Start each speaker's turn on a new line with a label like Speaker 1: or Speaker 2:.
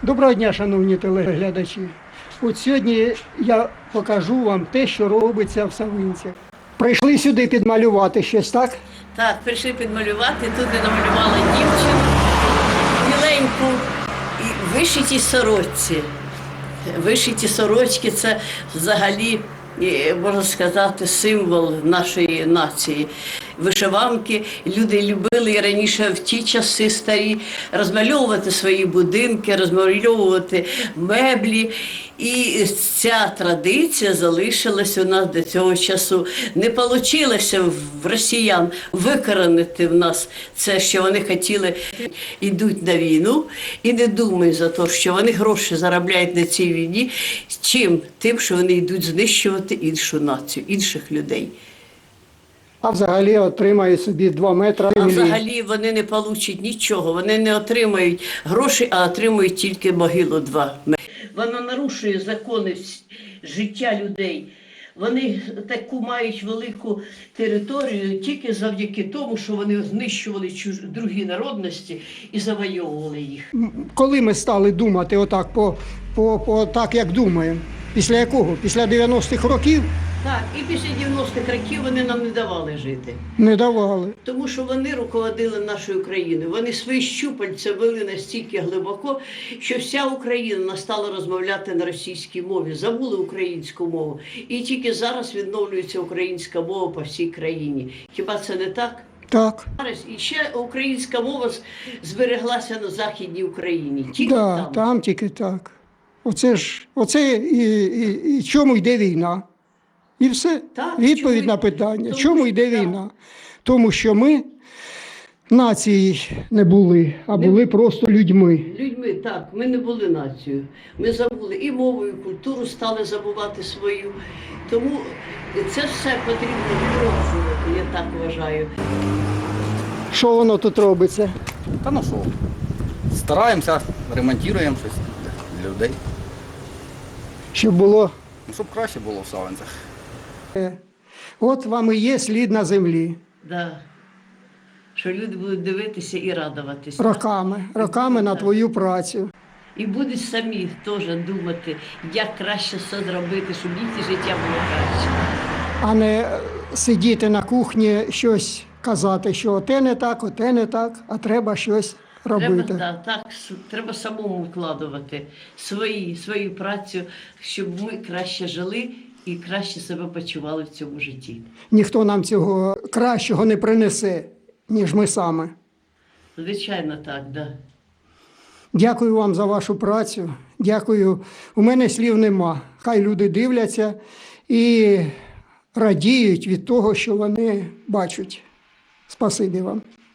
Speaker 1: Доброго дня, шановні телеглядачі. От сьогодні я покажу вам те, що робиться в Савинцях. Прийшли сюди підмалювати щось, так?
Speaker 2: Так, прийшли підмалювати, тут я намалювала дівчину, біленьку і вишиті сорочці. Вишиті сорочки – це взагалі, можна сказати, символ нашої нації. Вишиванки люди любили і раніше в ті часи старі розмальовувати свої будинки, розмальовувати меблі. І ця традиція залишилася у нас до цього часу. Не вийшло в росіян викоренити в нас це, що вони хотіли, йдуть на війну і не думають за те, що вони гроші заробляють на цій війні, чим? Тим, що вони йдуть знищувати іншу націю, інших людей.
Speaker 1: А взагалі отримають собі 2 метри
Speaker 2: А
Speaker 1: землі.
Speaker 2: взагалі вони не получать нічого, вони не отримають гроші, а отримують тільки могилу 2 метри. Вона нарушує закони життя людей. Вони таку мають велику територію тільки завдяки тому, що вони знищували другі народності і завойовували їх.
Speaker 1: Коли ми стали думати отак, так, як думаємо? Після якого? Після 90-х років?
Speaker 2: Так, і після 90-х років вони нам не давали жити.
Speaker 1: Не давали.
Speaker 2: Тому що вони руководили нашою країною. Вони свої щупальця вели настільки глибоко, що вся Україна стала розмовляти на російській мові, забули українську мову. І тільки зараз відновлюється українська мова по всій країні. Хіба це не так?
Speaker 1: Так.
Speaker 2: Зараз і ще українська мова збереглася на Західній Україні. Тільки
Speaker 1: там тільки так. Оце і чому йде війна? І все.
Speaker 2: Так,
Speaker 1: Відповідь на питання. Чому йде війна? Тому що ми нації не були, а були просто людьми.
Speaker 2: Людьми, так. Ми не були нацією. Ми забули і мову, і культуру стали забувати свою. Тому це все потрібно відроджувати, я так вважаю.
Speaker 1: Що воно тут робиться?
Speaker 3: Та ну що, стараємося, ремонтуємо щось для людей.
Speaker 1: Щоб було.
Speaker 3: Ну, щоб краще було в Савинцях.
Speaker 1: От вам і є слід на землі.
Speaker 2: Да. Що люди будуть дивитися і радуватися.
Speaker 1: Роками на твою працю.
Speaker 2: І будуть самі теж думати, як краще все зробити, щоб їхнє життя було краще.
Speaker 1: А не сидіти на кухні, щось казати, що оте не так, а треба щось робити.
Speaker 2: Треба самому вкладувати свою працю, щоб ми краще жили і краще себе почували в цьому житті.
Speaker 1: Ніхто нам цього кращого не принесе, ніж ми саме.
Speaker 2: Звичайно, так, да.
Speaker 1: Дякую вам за вашу працю. Дякую. У мене слів нема. Хай люди дивляться і радіють від того, що вони бачать. Спасибі вам.